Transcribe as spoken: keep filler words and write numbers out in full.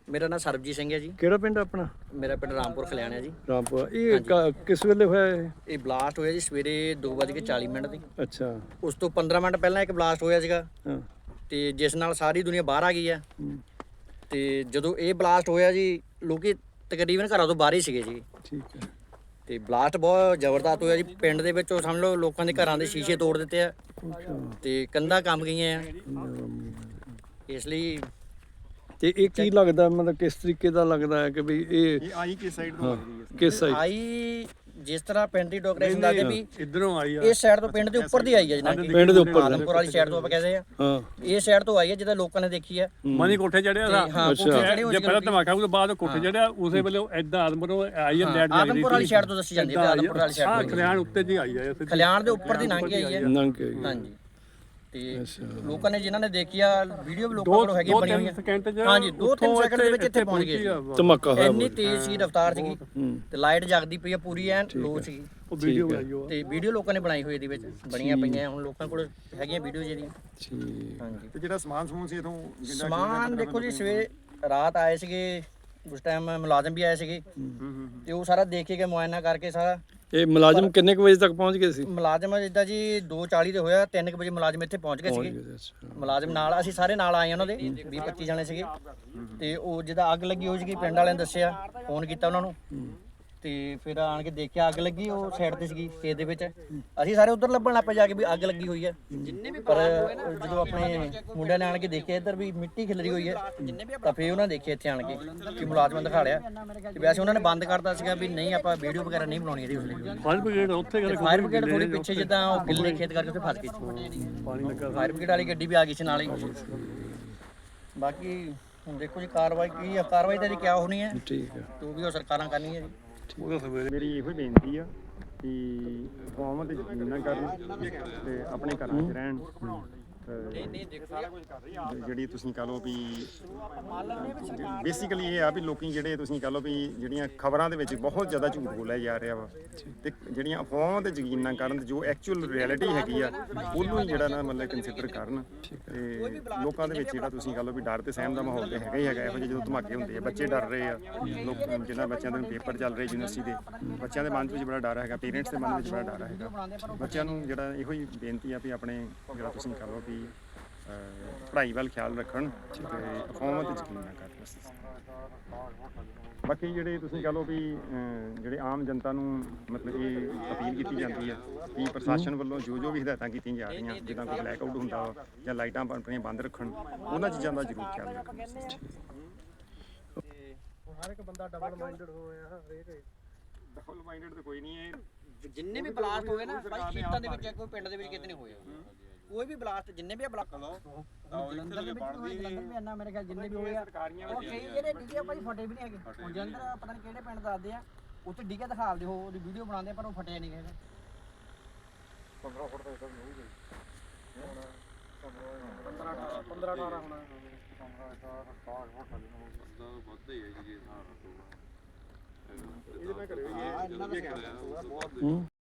ਮੇਰਾ ਨਾਮ ਸਰਬਜੀਤ ਸਿੰਘ ਹੈ ਜੀ। ਕਿਹੜਾ ਪਿੰਡ ਆਪਣਾ? ਮੇਰਾ ਪਿੰਡ ਰਾਮਪੁਰ ਖਲਿਆਣਾ ਹੈ ਜੀ। ਰਾਮਪੁਰ। ਇਹ ਕ- ਕਿਸ ਵੇਲੇ ਹੋਇਆ ਇਹ? ਇਹ ਬਲਾਸਟ ਹੋਇਆ ਜੀ ਸਵੇਰੇ ਦੋ ਵੱਜ ਕੇ ਚਾਲੀ ਮਿੰਟ ਦੀ। ਅੱਛਾ। ਉਸ ਤੋਂ ਪੰਦਰਾਂ ਮਿੰਟ ਪਹਿਲਾਂ ਇੱਕ ਬਲਾਸਟ ਹੋਇਆ ਸੀਗਾ ਹਾਂ। ਤੇ ਜਿਸ ਨਾਲ ਸਾਰੀ ਦੁਨੀਆ ਬਾਹਰ ਆ ਗਈ ਆ। ਹੂੰ, ਤੇ ਜਦੋਂ ਇਹ ਬਲਾਸਟ ਹੋਇਆ ਜੀ ਲੋਕੀ ਤਕਰੀਬਨ ਘਰਾਂ ਤੋਂ ਬਾਹਰ ਹੀ ਸੀਗੇ ਜੀ। ਠੀਕ ਹੈ। ਤੇ ਬਲਾਸਟ ਬਹੁਤ ਜ਼ਬਰਦਸਤ ਹੋਇਆ ਜੀ। ਪਿੰਡ ਦੇ ਵਿੱਚੋਂ ਸਮਝ ਲਓ ਲੋਕਾਂ ਦੇ ਘਰਾਂ ਦੇ ਸ਼ੀਸ਼ੇ ਤੋੜ ਦਿੱਤੇ ਆ ਅੱਛਾ। ਤੇ ਕੰਧਾਂ ਕੰਬ ਗਈਆਂ ਆ। ਇਸ ਲਈ ਤੇ ਇਹ ਕੀ ਲੱਗਦਾ, ਮਤਲਬ ਕਿਸ ਤਰੀਕੇ ਦਾ ਲੱਗਦਾ ਹੈ ਕਿ ਵੀ ਇਹ ਇਹ ਆਈ ਕਿਸ ਸਾਈਡ ਤੋਂ ਲੱਗਦੀ ਹੈ? ਕਿਸ ਸਾਈਡ? ਆਈ ਜਿਸ ਤਰ੍ਹਾਂ ਪਿੰਡ ਦੀ ਡੋਕਰੇਸ਼ਨ ਦੱਸਦੇ ਵੀ ਇਧਰੋਂ ਆਈ ਆ। ਇਸ ਸਾਈਡ ਤੋਂ ਪਿੰਡ ਦੇ ਉੱਪਰ ਦੀ ਆਈ ਹੈ ਜਨਾਬ। ਪਿੰਡ ਦੇ ਉੱਪਰ? ਆਦਮਪੁਰ ਵਾਲੀ ਸਾਈਡ ਤੋਂ ਆਪਾਂ ਕਹਿੰਦੇ ਆ। ਹਾਂ। ਇਹ ਸਾਈਡ ਤੋਂ ਆਈ ਹੈ ਜਿੱਦਾਂ ਲੋਕਾਂ ਨੇ ਦੇਖੀ ਆ। ਮਨੀ ਕੋਠੇ ਚੜਿਆ ਤੇ ਦਾ ਹਾਂ ਕੋਠੇ ਚੜੇ ਹੋਏ ਜੇ ਸੀ ਪਹਿਲਾਂ ਲੋਕੀ। ਧਮਾਕਾ ਉਸ ਤੋਂ ਬਾਅਦ ਕੋਠੇ ਚੜਿਆ ਉਸੇ ਵੇਲੇ ਐਦਾਂ ਆਦਮਪੁਰੋਂ ਆਈ ਹੈ ਲੈਟ ਜਾਈ ਆਦਮਪੁਰ ਵਾਲੀ ਸਾਈਡ ਤੋਂ ਦੱਸੀ ਜਾਂਦੀ ਹੈ। ਆਦਮਪੁਰ ਵਾਲੀ ਹਾਂ ਸਾਈਡ ਤੋਂ ਖਲਿਆਣ ਉੱਤੇ ਜੀ ਆਈ ਹੈ। ਖਲਿਆਣ ਦੇ ਉੱਪਰ ਦੀ ਲੰਘ ਕੇ ਆਈ ਹੈ। ਨੰਗ ਕੇ ਗਈ। ਹਾਂਜੀ। ਤੇ ਅੱਛਾ। ਲੋਕਾਂ ਨੇ ਜਿਨ੍ਹਾਂ ਨੇ ਦੇਖੀ ਆ ਵੀਡੀਓ ਵੀ ਲੋਕਾਂ ਕੋਲ ਹੈਗੀ ਬਣੀ ਹੋਈ ਹੈ। ਹਾਂਜੀ ਦੋ ਤਿੰਨ ਸੈਕਿੰਡ ਦੇ ਵਿੱਚ ਇੱਥੇ ਪਹੁੰਚ ਗਏ ਸੀ। ਧਮਾਕਾ ਹੋਇਆ ਇੰਨੀ ਤੇਜ਼ ਸੀ ਰਫ਼ਤਾਰ ਸੀਗੀ ਹੂੰ। ਤੇ ਲਾਈਟ ਜਗਦੀ ਪਈ ਆ ਪੂਰੀ ਐਨ ਲੋ ਸੀਗੀ। ਉਹ ਵੀਡੀਓ ਬਣਾਈ ਉਹ ਤੇ ਵੀਡੀਓ ਲੋਕਾਂ ਨੇ ਬਣਾਈ ਹੋਈ ਇਹਦੇ ਵਿੱਚ ਬਣੀਆਂ ਪਈਆਂ ਹੁਣ ਲੋਕਾਂ ਕੋਲ ਹੈਗੀਆਂ ਵੀਡੀਓ ਜਿਹੜੀਆਂ। ਠੀਕ। ਹਾਂਜੀ। ਤੇ ਜਿਹੜਾ ਸਮਾਨ ਸਮੂਨ ਸੀ ਇਥੋਂ ਸਮਾਨ ਦੇਖੋ ਜੀ ਸਵੇਰੇ ਰਾਤ ਆਏ ਸੀਗੇ ਉਸ ਟਾਈਮ ਮੁਲਾਜ਼ਮ ਵੀ ਆਏ ਸੀਗੇ ਤੇ ਉਹ ਸਾਰਾ ਦੇਖ ਕੇ ਗਏ ਮੁਆਇਨਾ ਕਰਕੇ ਸਾਰਾ। ਇਹ ਮੁਲਾਜ਼ਮ ਕਿੰਨੇ ਕੁ ਵਜੇ ਤੱਕ ਪਹੁੰਚ ਗਏ ਸੀ? ਮੁਲਾਜ਼ਮ ਜਿੱਦਾਂ ਜੀ ਦੋ ਚਾਲੀ ਤੇ ਹੋਇਆ ਤਿੰਨ ਕੁ ਵਜੇ ਮੁਲਾਜ਼ਮ ਇੱਥੇ ਪਹੁੰਚ ਗਏ ਸੀਗੇ। ਅੱਛਾ। ਮੁਲਾਜ਼ਮ ਨਾਲ ਅਸੀਂ ਸਾਰੇ ਨਾਲ ਆਏ ਉਹਨਾਂ ਦੇ ਵੀਹ ਪੱਚੀ ਜਣੇ ਸੀਗੇ। ਤੇ ਉਹ ਜਿਹਦਾ ਅੱਗ ਲੱਗੀ ਹੋਈ ਸੀਗੀ ਪਿੰਡ ਵਾਲਿਆਂ ਨੇ ਦੱਸਿਆ ਫੋਨ ਕੀਤਾ ਉਹਨਾਂ ਨੂੰ ਤੇ ਫਿਰ ਆਣ ਕੇ ਦੇਖਿਆ ਅੱਗ ਲੱਗੀ ਉਹ ਸਾਈਡ ਤੇ ਸੀਗੀ ਖੇਤ ਦੇ ਵਿੱਚ। ਅਸੀਂ ਸਾਰੇ ਉਧਰ ਲੱਭਣ ਲੱਗ ਪਏ ਜਾ ਕੇ ਵੀ ਅੱਗ ਲੱਗੀ ਹੋਈ ਹੈ। ਪਰ ਜਦੋਂ ਆਪਣੇ ਮੁੰਡਿਆਂ ਨੇ ਆਣ ਕੇ ਦੇਖਿਆ ਇੱਧਰ ਵੀ ਮਿੱਟੀ ਖਿਲਰੀ ਹੋਈ ਹੈ ਤਾਂ ਫਿਰ ਉਹਨਾਂ ਨੇ ਦੇਖਿਆ ਇੱਥੇ ਆਣ ਕੇ ਕਿ ਮੁਲਾਜ਼ਮਾਂ ਦਿਖਾ ਲਿਆ ਤੇ ਵੈਸੇ ਉਹਨਾਂ ਨੇ ਬੰਦ ਕਰਤਾ ਸੀਗਾ ਵੀ ਨਹੀਂ ਆਪਾਂ ਵੀਡੀਓ ਵਗੈਰਾ ਨਹੀਂ ਬਣਾਉਣੀ ਇਹਦੀ। ਉਸ ਲਈ ਫਾਇਰ ਬ੍ਰਿਗੇਡ ਉੱਥੇ ਗੱਲ ਫਾਇਰ ਬ੍ਰਿਗੇਡ ਥੋੜੀ ਪਿੱਛੇ ਜਿੱਦਾਂ ਉਹ ਗਿੱਲੇ ਖੇਤ ਕਰਕੇ ਉੱਥੇ ਫਸ ਗਈ ਸੀ। ਪਾਣੀ ਲੱਗਾ ਫਾਇਰ ਬ੍ਰਿਗੇਡ ਵਾਲੀ ਗੱਡੀ ਵੀ ਆ ਗਈ ਸੀ ਨਾਲ ਹੀ। ਬਾਕੀ ਹੁਣ ਦੇਖੋ ਜੀ ਕਾਰਵਾਈ ਕੀ ਆ, ਕਾਰਵਾਈ ਤਾਂ ਇਹਦੀ ਕਿਆ ਹੋਣੀ ਹੈ ਠੀਕ ਹੈ। ਜੋ ਵੀ ਉਹ ਸਰਕਾਰਾਂ ਕਰਨੀ ਹੈ ਜੀ। ਉਹਦਾ ਸਵੇਰੇ ਮੇਰੀ ਇਹੋ ਹੀ ਬੇਨਤੀ ਆ ਕਿ ਅਫਵਾਹਾਂ ਤੇ ਯਕੀਨ ਨਾ ਕਰਨ ਤੇ ਆਪਣੇ ਘਰਾਂ 'ਚ ਰਹਿਣ। ਜਿਹੜੀ ਤੁਸੀਂ ਕਹ ਲਓ ਵੀ ਬੇਸਿਕਲੀ ਇਹ ਆ ਵੀ ਲੋਕੀ ਜਿਹੜੇ ਤੁਸੀਂ ਕਹ ਲਓ ਵੀ ਜਿਹੜੀਆਂ ਖਬਰਾਂ ਦੇ ਵਿੱਚ ਬਹੁਤ ਜ਼ਿਆਦਾ ਝੂਠ ਬੋਲਿਆ ਜਾ ਰਿਹਾ ਵਾ ਤੇ ਜਿਹੜੀਆਂ ਅਫਵਾਹਾਂ ਤੇ ਯਕੀਨ ਨਾ ਕਰਨ ਜੋ ਐਕਚੁਅਲ ਰਿਐਲਿਟੀ ਹੈਗੀ ਆ ਉਹਨੂੰ ਹੀ ਜਿਹੜਾ ਨਾ ਮਤਲਬ ਕੰਸੀਡਰ ਕਰਨ। ਤੇ ਲੋਕਾਂ ਦੇ ਵਿੱਚ ਜਿਹੜਾ ਤੁਸੀਂ ਕਹ ਲਓ ਵੀ ਡਰ ਤੇ ਸਹਿਮ ਦਾ ਮਾਹੌਲ ਤੇ ਹੈਗਾ ਹੀ ਹੈਗਾ। ਇਹੋ ਜਿਹੇ ਜਦੋਂ ਧਮਾਕੇ ਹੁੰਦੇ ਆ ਬੱਚੇ ਡਰ ਰਹੇ ਆ। ਲੋਕ ਜਿਹਨਾਂ ਬੱਚਿਆਂ ਦੇ ਪੇਪਰ ਚੱਲ ਰਹੇ ਯੂਨੀਵਰਸਿਟੀ ਦੇ ਬੱਚਿਆਂ ਦੇ ਮਨ ਵਿੱਚ ਬੜਾ ਡਰ ਹੈਗਾ। ਪੇਰੈਂਟਸ ਦੇ ਮਨ ਵਿੱਚ ਬੜਾ ਡਰ ਹੈਗਾ। ਬੱਚਿਆਂ ਨੂੰ ਜਿਹੜਾ ਇਹੋ ਹੀ ਬੇਨਤੀ ਆ ਵੀ ਆਪਣੇ ਜਿਹੜਾ ਤੁਸੀਂ ਕਹ ਲਓ ਵੀ ਪੜ੍ਹਾਈ ਵੱਲ ਖਿਆਲ ਰੱਖਣ ਤੇ ਅਫਵਾਹਾਂ ਤੇ ਯਕੀਨ ਨਾ ਕਰਨ। ਬਾਕੀ ਜਿਹੜੇ ਤੁਸੀਂ ਕਹ ਲਓ ਵੀ ਜਿਹੜੇ ਆਮ ਜਨਤਾ ਨੂੰ ਮਤਲਬ ਇਹ ਅਪੀਲ ਕੀਤੀ ਜਾਂਦੀ ਹੈ ਕਿ ਪ੍ਰਸ਼ਾਸਨ ਵੱਲੋਂ ਜੋ ਜੋ ਵੀ ਹਦਾਇਤਾਂ ਕੀਤੀਆਂ ਜਾ ਰਹੀਆਂ ਜਿੱਦਾਂ ਕੋਈ ਬਲੈਕ ਆਊਟ ਹੁੰਦਾ ਵਾ ਜਾਂ ਲਾਈਟਾਂ ਆਪਣੀਆਂ ਬੰਦ ਰੱਖਣ ਉਹਨਾਂ ਚੀਜ਼ਾਂ ਦਾ ਜ਼ਰੂਰ ਖਿਆਲ ਰੱਖਣ। ਹਰ ਇੱਕ ਬੰਦਾ ਡਬਲ ਮਾਈਂਡਡ ਹੋਇਆ ਹਰੇਕ ਡਬਲ ਮਾਈਂਡਡ ਤਾਂ ਕੋਈ ਨਹੀਂ ਹੈ। ਜਿੰਨੇ ਵੀ ਬਲਾਸਟ ਹੋਏ ਨਾ ਭਾਈ ਖੇਤਾਂ ਦੇ ਵਿੱਚ ਕੋਈ ਪਿੰਡ ਦੇ ਵਿੱਚ ਕਿਤੇ ਨਹੀਂ ਹੋਏ। ਕੋਈ ਵੀ ਬਲਾਸਟ ਜਿੰਨੇ ਵੀ ਬਲਾਸਟ ਜਲੰਧਰ ਦੇ ਵਿੱਚ ਹੋਏ ਜਲੰਧਰ ਵੀ ਇੰਨਾ ਮੇਰੇ ਖਿਆਲ ਜਿੰਨੇ ਵੀ ਹੋਏ ਆ ਉਹ ਕਈ ਜਿਹੜੇ ਡਿੱਗੇ ਭਾਈ ਫਟੇ ਵੀ ਨਹੀਂ ਹੈਗੇ। ਹੁਣ ਜਲੰਧਰ ਪਤਾ ਨਹੀਂ ਕਿਹੜੇ ਪਿੰਡ ਦੱਸਦੇ ਆ ਉੱਥੇ ਡਿੱਗੇ ਦਿਖਾਉਂਦੇ ਹੋ ਉਹਦੀ ਵੀਡੀਓ ਬਣਾਉਂਦੇ ਪਰ ਉਹ ਫਟਿਆ ਨਹੀਂ ਹੈਗਾ। ਪੰਦਰਾਂ ਫੁੱਟ ਤੱਕ ਨਹੀਂ ਗਈ ਪੰਦਰਾਂ ਅਠਾਰਾਂ ਪੰਦਰਾਂ ਅਠਾਰਾਂ ਹੋਣਾ ਪੰਦਰਾਂ ਅਠਾਰਾਂ ਸਤਾਰਾਂ ਫੁੱਟ ਥੱਲੇ ਨੂੰ ਦਾ ਵੱਧ ਹੀ ਹੈ ਜੀ ਹਿਸਾਬ ਨਾਲ। ਇਹਦੇ ਨਾਲ ਕਰਿਓ ਇਹ ਹੂੰ।